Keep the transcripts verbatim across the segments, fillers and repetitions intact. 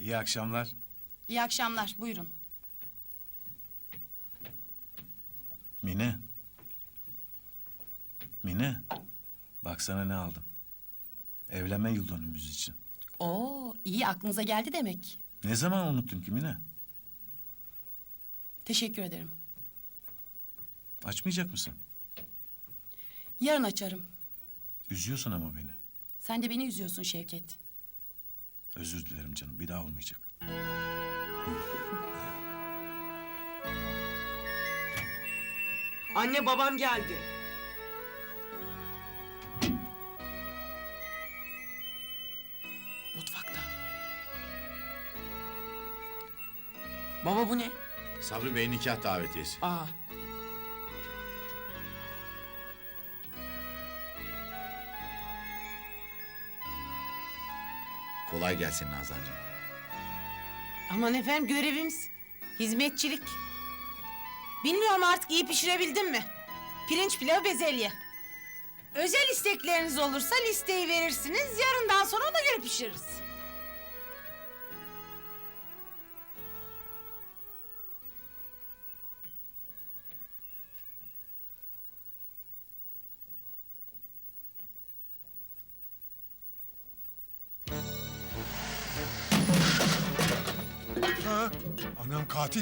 İyi akşamlar. İyi akşamlar, buyurun. Mine. Mine. Baksana ne aldım. Evlenme yıl dönümümüz için. Oo, iyi aklınıza geldi demek. Ne zaman unuttun ki Mine? Teşekkür ederim. Açmayacak mısın? Yarın açarım. Üzüyorsun ama beni. Sen de beni üzüyorsun Şevket. Özür dilerim canım. Bir daha olmayacak. Anne babam geldi. Mutfakta. Baba bu ne? Sabri Bey nikah davetiyesi. Aa. Kolay gelsin Nazancığım. Aman efendim görevimiz hizmetçilik. Bilmiyorum artık iyi pişirebildim mi? Pirinç pilavı bezelye. Özel istekleriniz olursa listeyi verirsiniz. Yarından sonra ona göre pişiririz. Ha, anam katil.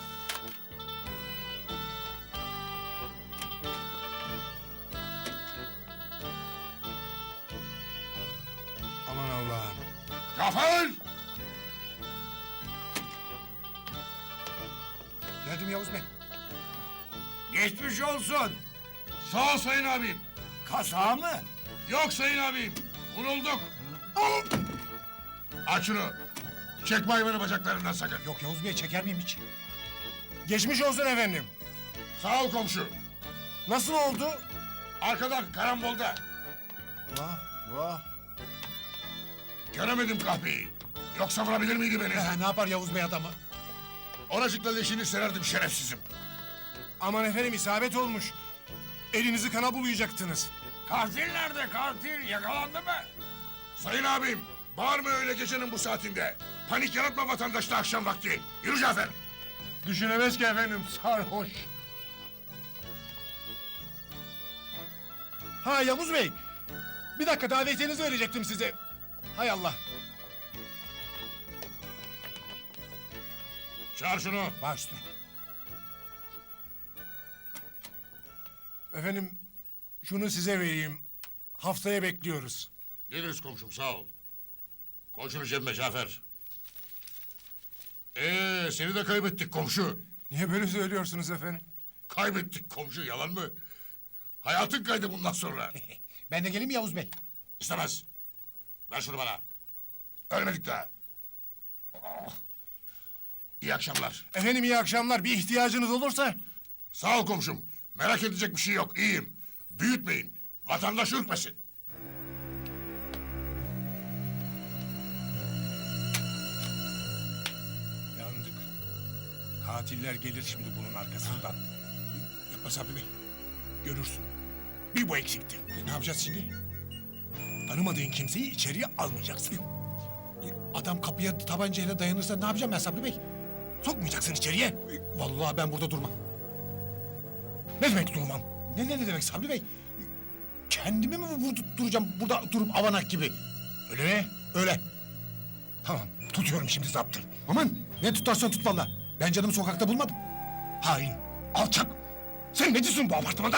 Aman Allah'ım. Cafer! Geldim Yavuz Bey. Geçmiş olsun. Sağ ol sayın abim. Kaza mı? Yok sayın abim. Vurulduk. Aç şunu. Çekme hayvanı bacaklarından sakın. Yok Yavuz Bey, çeker miyim hiç? Geçmiş olsun efendim. Sağ ol komşu. Nasıl oldu? Arkadan karambolda. Vah vah. Göremedim kahpeyi. Yoksa vurabilir miydi beni? Eh, ne yapar Yavuz Bey adamı? Oracıkla leşini sererdim şerefsizim. Aman efendim, isabet olmuş. Elinizi kana bulayacaktınız. Katil nerede katil? Yakalandı mı? Sayın abim, bağırma öyle gecenin bu saatinde. Panik yaratma vatandaşta akşam vakti. Yürü Cafer. Düşünemez ki efendim, sarhoş. Ha Yavuz Bey, bir dakika davetiyenizi verecektim size. Hay Allah. Çağır şunu. Baş üstüne. Efendim, şunu size vereyim. Haftaya bekliyoruz. Geliriz komşum sağ ol. Koy şunu cebime Cafer. Ee, seni de kaybettik komşu. Niye böyle söylüyorsunuz efendim? Kaybettik komşu, yalan mı? Hayatın kaydı bundan sonra. Ben de geleyim mi Yavuz Bey? İstemez. Ver şunu bana. Ölmedik daha. Oh. İyi akşamlar. Efendim iyi akşamlar. Bir ihtiyacınız olursa... Sağ ol komşum. Merak edecek bir şey yok, iyiyim. Büyütmeyin. Vatandaş ürkmesin. Yandık. Katiller gelir şimdi bunun arkasından. Yapma Sabri Bey. Görürsün. Bir bu eksikti. Ne yapacağız şimdi? Tanımadığın kimseyi içeriye almayacaksın. Adam kapıya tabancayla dayanırsa ne yapacağım ben Sabri Bey? Sokmayacaksın içeriye. Vallahi ben burada durmam. Ne demek durmam? Ne ne, ne demek Sabri Bey? Kendimi mi vurdup duracağım burada durup avanak gibi? Öyle mi? Öyle. Tamam, tutuyorum şimdi zaptı. Aman, ne tutarsan tut valla. Ben canımı sokakta bulmadım. Hain, alçak. Sen ne diyorsun bu apartmanda?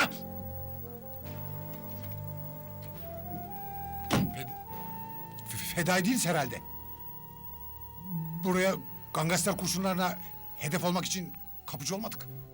Fed F- Fedai değiliz herhalde. Buraya gangster kurşunlarına hedef olmak için kapıcı olmadık.